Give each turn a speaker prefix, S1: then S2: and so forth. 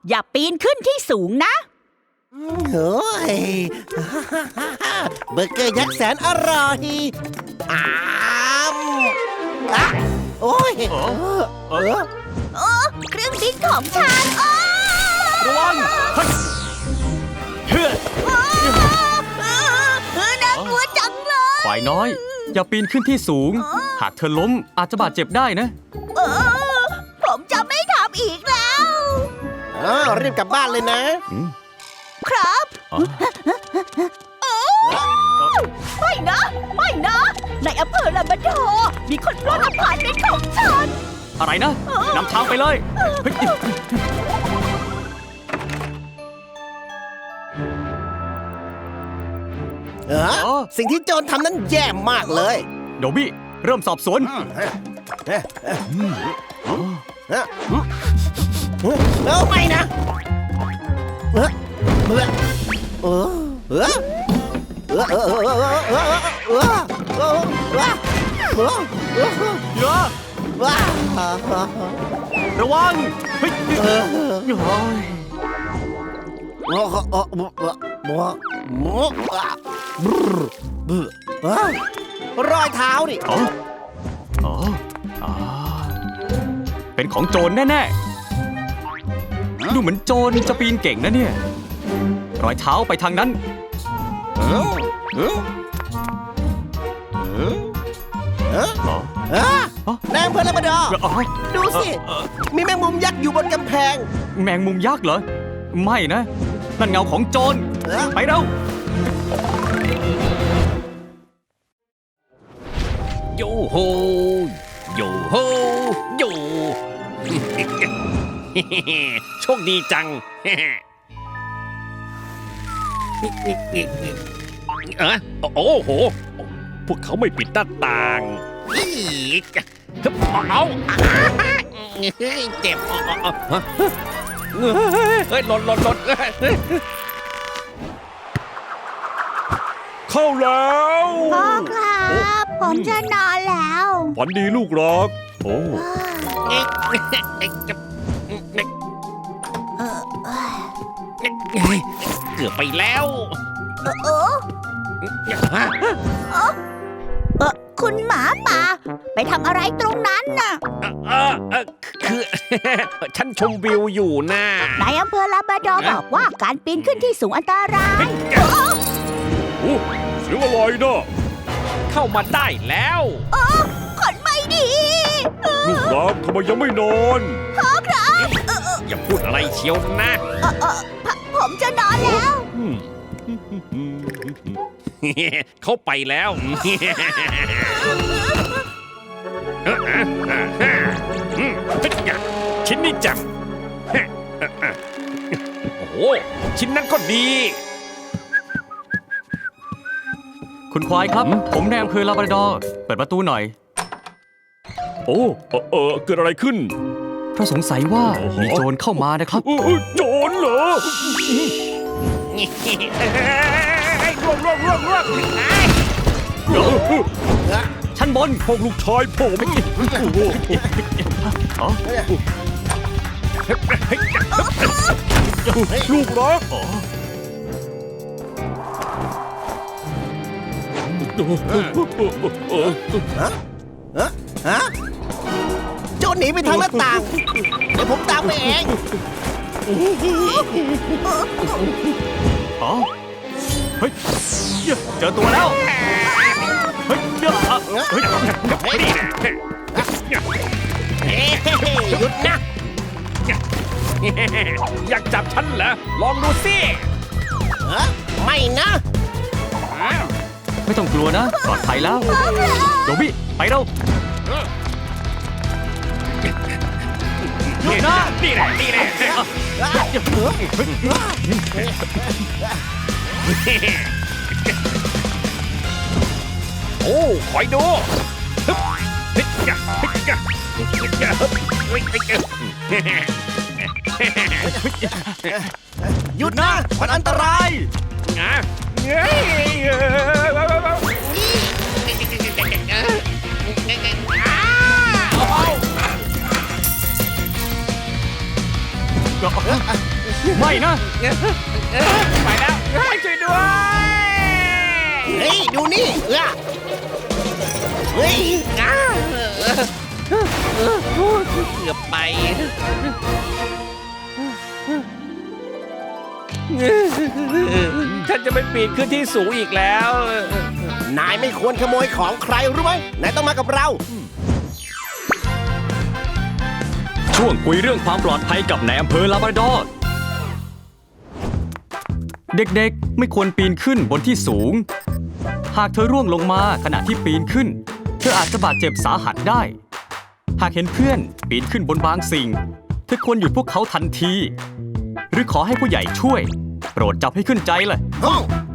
S1: อย่าปีนขึ้นที่สูงนะ
S2: โอ้ยเบอร์เกอร์ยักษ์แสนอร่อยอ้ามอ่ะโอ้ย
S1: เครื่องบินของฉัน
S3: ระวังเฮ้ย
S1: น่ากลัวจังเลย
S3: ฝ่ายน้อย อย่าปีนขึ้นที่สูง หากเธอล้มอาจจะบาดเจ็บได้นะ
S1: ผมจะไม่ทำอีกแล้ว
S2: รีบกลับบ้านเลยนะ
S1: ครับ
S3: อ๋อ
S1: ไม่นะ ไม่นะ ในอำเภอลาบราดอร์มีคนปล้นอพาร์ตเมนต์ของฉัน
S3: อะไรนะนำทางไปเลยเฮ้ย
S2: สิ่งที่โจรทำนั้นแย่มากเลย
S3: โดบี้เริ่มสอบสวน
S2: ไม่นะ
S3: ระวังเฮ้ย
S2: รอยเท้านี่
S3: เป็นของโจรแน่ๆดูเหมือนโจรจะปีนเก่งนะเนี่ยรอยเท้าไปทางนั้น
S2: นายอำเภอลาบราดอร์ดูสิ มีแมงมุมยักษ์อยู่บนกำแพง
S3: แมงมุมยักษ์เหรอ ไม่นะ นั่นเงาของโจร ไปเร็ว
S4: โยโฮโยโฮโย โชคดีจัง โอ้โห พวกเขาไม่ปิดหน้าต่างอีกเอาเจ็บเฮ้ยหล่น
S5: เข้าแล้ว
S1: พ่อครับ ผมจะนอนแล้ว
S5: ฝันดีลูกรัก โอ้
S4: เกือบไปแล้ว
S1: คุณหมาป่า ไปทำอะไรตรงนั้นน่ะ
S4: คือ ฉันชมวิวอยู่นะ
S1: นายอำเภอลาบราดอร์บอกว่าการปีนขึ้นที่สูงอันตราย
S5: โอ้เสียงอะไรนะ
S4: เข้ามาได้แล้ว
S1: คนไม่ดี
S5: ลูกรักทำไมยังไม่นอน
S1: พ่อครับ
S4: อย่าพูดอะไรเชียวนะ
S1: ผมจะนอนแล้ว
S4: เขาไปแล้ว ชิ้นนี้จังโอ้โห ชิ้นนั้นก็ดี
S3: คุณควายครับ ผมในอำเภอลาบราดอร์เปิดประตูหน่อย
S5: โอ้เกิดอะไรขึ้น
S3: เพราะสงสัยว่ามีโจรเข้ามานะครับ
S5: โจรเหรอ
S4: ร่วง
S3: ชั้นบน
S5: พวกลูกชายผมลูกรัก
S2: โจรหนีไปทางหน้าต่าง เดี๋ยวผมตามไปเอง
S3: อ๋อ เฮ้ย เจอตัวแล้ว เฮ้ยเฮ้ย
S4: หยุดนะ อยากจับฉันเหรอ ลองดูสิ
S2: ไม่นะ
S3: ไม่ต้องกลัวนะ ปลอดภัยแล้ว โดบี้ ไปเร็ว หยุดนะ
S4: นี่แหละโอ้คอยดู
S2: หยุดนะ มันอันตราย
S4: เอา
S3: ไม่นะ
S4: ไปแล้วช่วยด้วย
S2: เฮ้ย ดูนี่เฮ้ย
S4: เกือบไป ฉันจะไม่ปีนขึ้นที่สูงอีกแล้ว
S2: นายไม่ควรขโมยของใครรู้ไหมนายต้องมากับเรา
S3: ช่วงคุยเรื่องความปลอดภัยกับนายอำเภอลาบราดอร์ เด็กๆไม่ควรปีนขึ้นบนที่สูง หากเธอร่วงลงมาขณะที่ปีนขึ้น เธออาจจะบาดเจ็บสาหัสได้ หากเห็นเพื่อนปีนขึ้นบนบางสิ่ง เธอควรหยุดพวกเขาทันที หรือขอให้ผู้ใหญ่ช่วย โปรดจับให้ขึ้นใจเลย
S2: ห้อง